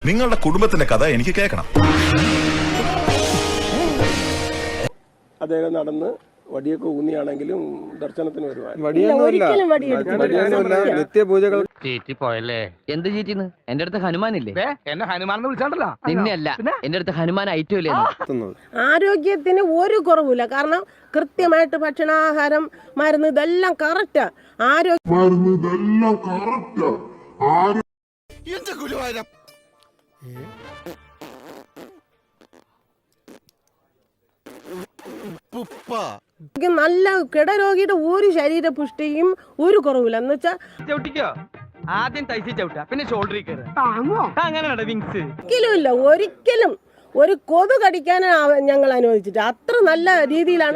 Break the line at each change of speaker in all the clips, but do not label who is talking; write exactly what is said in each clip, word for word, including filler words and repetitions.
നിങ്ങളുടെ കുടുംബത്തിന്റെ കഥ എനിക്ക് കേൾക്കണം.
അദ്ദേഹം നടന്ന് വടിയൊക്കെ ഊന്നിയാണെങ്കിലും ദർശനത്തിന് വരുവാൻ
നിത്യപൂജകൾ
പോയല്ലേ എന്ത് ചീറ്റിന്ന് എന്റെ അടുത്ത് ഹനുമാനില്ലേ എന്നെ ഹനുമാൻ വിളിച്ചാണ്ടല്ലോ നിന്നെയല്ല എന്റെ അടുത്ത് ഹനുമാൻ ഐറ്റം ഇല്ലേ.
ആരോഗ്യത്തിന് ഒരു കുറവില്ല. കാരണം കൃത്യമായിട്ട് ഭക്ഷണാഹാരം മരുന്ന് ഇതെല്ലാം കറക്റ്റാ. ആരോഗ്യം നല്ല കിടരോഗിയുടെ ഒരു ശരീര പുഷ്ടിയും ഒരു കുറവില്ല. എന്ന് വെച്ചാ
ചവിട്ടിക്കോ ആദ്യം തൈസി ചവിട്ടാ പിന്നെ ഷോൾഡറിൽ കയറി അങ്ങനെ വിങ്സ്
ഒരിക്കലും ഇല്ല. ഒരിക്കലും ഒരു കൊതു കടിക്കാനാണ് ഞങ്ങൾ അനുവദിച്ചിട്ട്. അത്ര നല്ല രീതിയിലാണ്.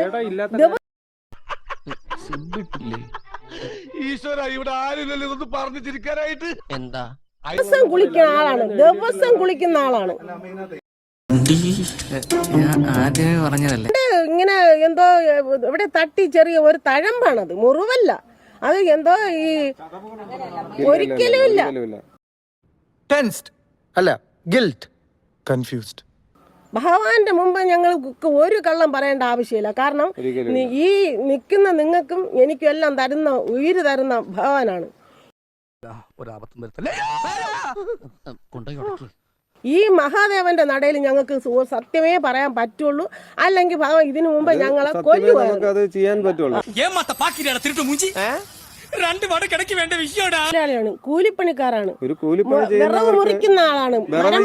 ഈശ്വര ഇവിടെ ആരുമില്ലല്ലോ ഇതൊന്ന് പറഞ്ഞു ചിരിക്കാനായിട്ട്.
എന്താ
ദിവസം കുളിക്കുന്ന ആളാണ്. ദിവസം കുളിക്കുന്ന ആളാണ്.
ആദ്യമേ പറഞ്ഞതല്ലേ
ഇങ്ങനെ എന്തോ ഇവിടെ തട്ടി ചെറിയ ഒരു തഴമ്പാണത്, മുറിവല്ല. അത് എന്തോ ഈ ഒരിക്കലും ഇല്ല.
ടെൻസ്ഡ് അല്ല ഗിൽറ്റ് കൺഫ്യൂസ്ഡ്.
ഭഗവാന്റെ മുമ്പ് ഞങ്ങൾ ഒരു കള്ളം പറയേണ്ട ആവശ്യമില്ല. കാരണം ഈ നിൽക്കുന്ന നിങ്ങൾക്കും എനിക്കും എല്ലാം തരുന്ന ഉയിര് തരുന്ന ഭഗവാനാണ്. ഈ മഹാദേവന്റെ നടയിൽ ഞങ്ങൾക്ക് സത്യമേ പറയാൻ പറ്റുള്ളൂ. അല്ലെങ്കിൽ ഭഗവാൻ ഇതിനു മുമ്പ് ഞങ്ങളെ കൊല്ലുകയാണ്. കൂലിപ്പണിക്കാരാണ്, വിറവ് മുറിക്കുന്ന ആളാണ്,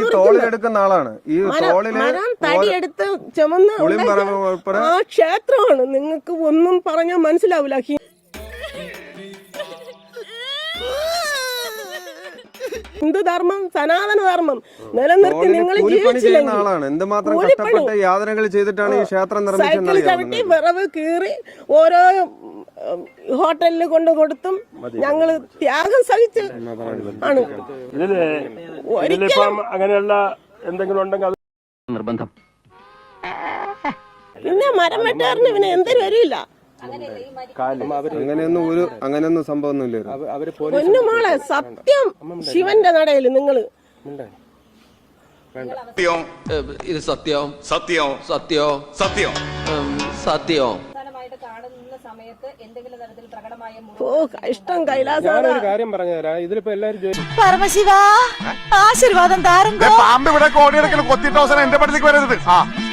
മരം തടിയെടുത്ത് ചുമന്ന് ആ ക്ഷേത്രമാണ്. നിങ്ങൾക്ക് ഒന്നും പറഞ്ഞാൽ മനസ്സിലാവില്ല. ഹിന്ദുധർമ്മം, സനാതന ധർമ്മം നിലനിർത്തി നിങ്ങൾ സൈക്കിൾ ചവിട്ടി വിറവ് കീറി ഓരോ ഹോട്ടലിൽ കൊണ്ടു കൊടുത്തും ഞങ്ങള് ത്യാഗം സഹിച്ച് ആണ്.
അങ്ങനെയുള്ള എന്തെങ്കിലും ഉണ്ടെങ്കിൽ
നിർബന്ധം.
പിന്നെ മരം വെട്ടാറിന് പിന്നെ എന്തൊരു വരില്ല.
അങ്ങനെയൊന്നും ഒരു അങ്ങനെയൊന്നും സംഭവമൊന്നുമില്ല.
പൊന്നുമോളെ സത്യം ശിവന്റെ നടയിൽ നിങ്ങള്
ഇത് സത്യം
സത്യം
സത്യം
സത്യം
സത്യം
ഓ ഇഷ്ടം കൈലാസ
കാര്യം പറഞ്ഞുതരാം. ഇതിലിപ്പോ എല്ലാരും
പരമശിവ ആശീർവാദം താരം
പാമ്പ് ഇവിടെ കോടിയെടുക്കൽ കൊത്തിയിട്ട് അവസാനം എന്റെ പടത്തേക്ക് വരരുത്.